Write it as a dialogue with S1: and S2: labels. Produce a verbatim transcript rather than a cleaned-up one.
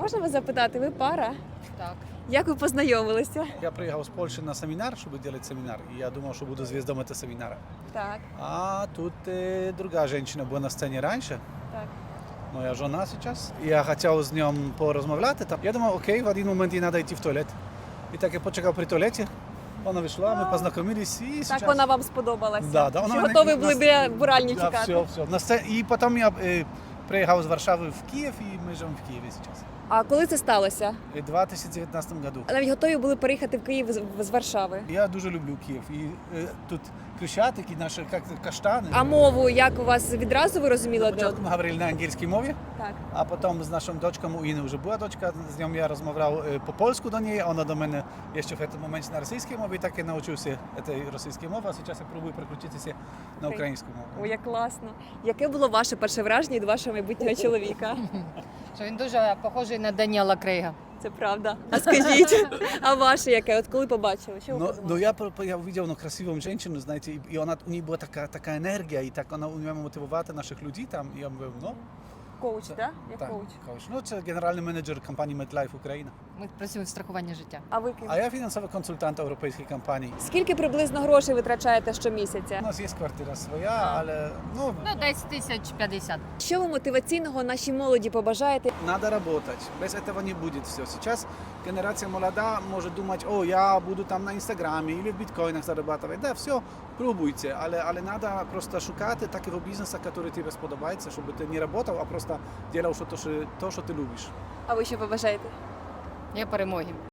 S1: Можна вас запитати, ви пара?
S2: Так.
S1: Як ви познайомилися?
S3: Я приехал с Польши на семинар, чтобы делать семинар. И я думал, что буду звездом этого семинара.
S1: Так,
S3: А тут э, другая женщина была на сцене раньше.
S1: так.
S3: Моя жена сейчас. И я хотел с ним поразмовляти. Там. Я думал, окей, в один момент ей надо идти в туалет. И так я почекав при туалеті. Вона вийшла, ми познайомились і
S1: Так
S3: сейчас...
S1: вона вам сподобалася?
S3: Да, да, вона
S1: Чи
S3: мене-
S1: готові були
S3: нас-
S1: біля буральні
S3: Да,
S1: чекати?
S3: все, все. На сцені... І потім я е, приїхав з Варшави в Київ, і ми живемо в Києві зараз.
S1: А коли це сталося?
S3: У дві тисячі дев'ятнадцятому году.
S1: Навіть готові були переїхати в Київ з- з Варшави.
S3: Я дуже люблю Київ. І е, тут Крещатики, наші як, каштани.
S1: А мову як у вас відразу ви розуміли? одне
S3: Спочатку ми говорили на англійській мові,
S1: Так.
S3: а потім з нашим дочком, у Іни вже була дочка, з ним я розмовляв е, по-польську до неї, вона до мене ще в цьому моменті на російській мові, і так я навчився цієї російської мови, а зараз я пробую переключитися на українську мову.
S1: Ой, як класно. Яке було ваше перше враження від вашого майбутнього чоловіка?
S2: Що він дуже похожий на Даніела Крейга.
S1: Це правда. А скажіть, а ваше яке? От коли побачили? Що ви
S3: Но,
S1: подумали?
S3: но я, про- я увидел ну, красивую женщину, знаете, и, и она, у нее была такая, такая энергия, и так она умела мотивувати наших людей там, і я говорю, ну,
S1: Коуч, так? Як
S3: так,
S1: коуч.
S3: коуч. Ну, це генеральний менеджер компанії MetLife Україна.
S2: Ми працюємо в страхуванні життя.
S1: А ви ким?
S3: А я фінансовий консультант європейської компанії.
S1: Скільки приблизно грошей витрачаєте щомісяця?
S3: У нас є квартира своя, але, ну,
S2: Ну, десь тисяч п'ятдесят.
S1: Що ви мотиваційного нашій молоді побажаєте?
S3: надо работать. Без этого не будет все. Сейчас генерация молода может думать, о, я буду там на Инстаграме или в биткоинах зарабатывать. Да, все, пробуйте, але, але надо просто шукати такого бізнесу, який тобі сподобається, щоб ти не працював, а просто робив то, що, то, що ти любиш.
S1: А ви що побажаєте?
S2: Я перемоги.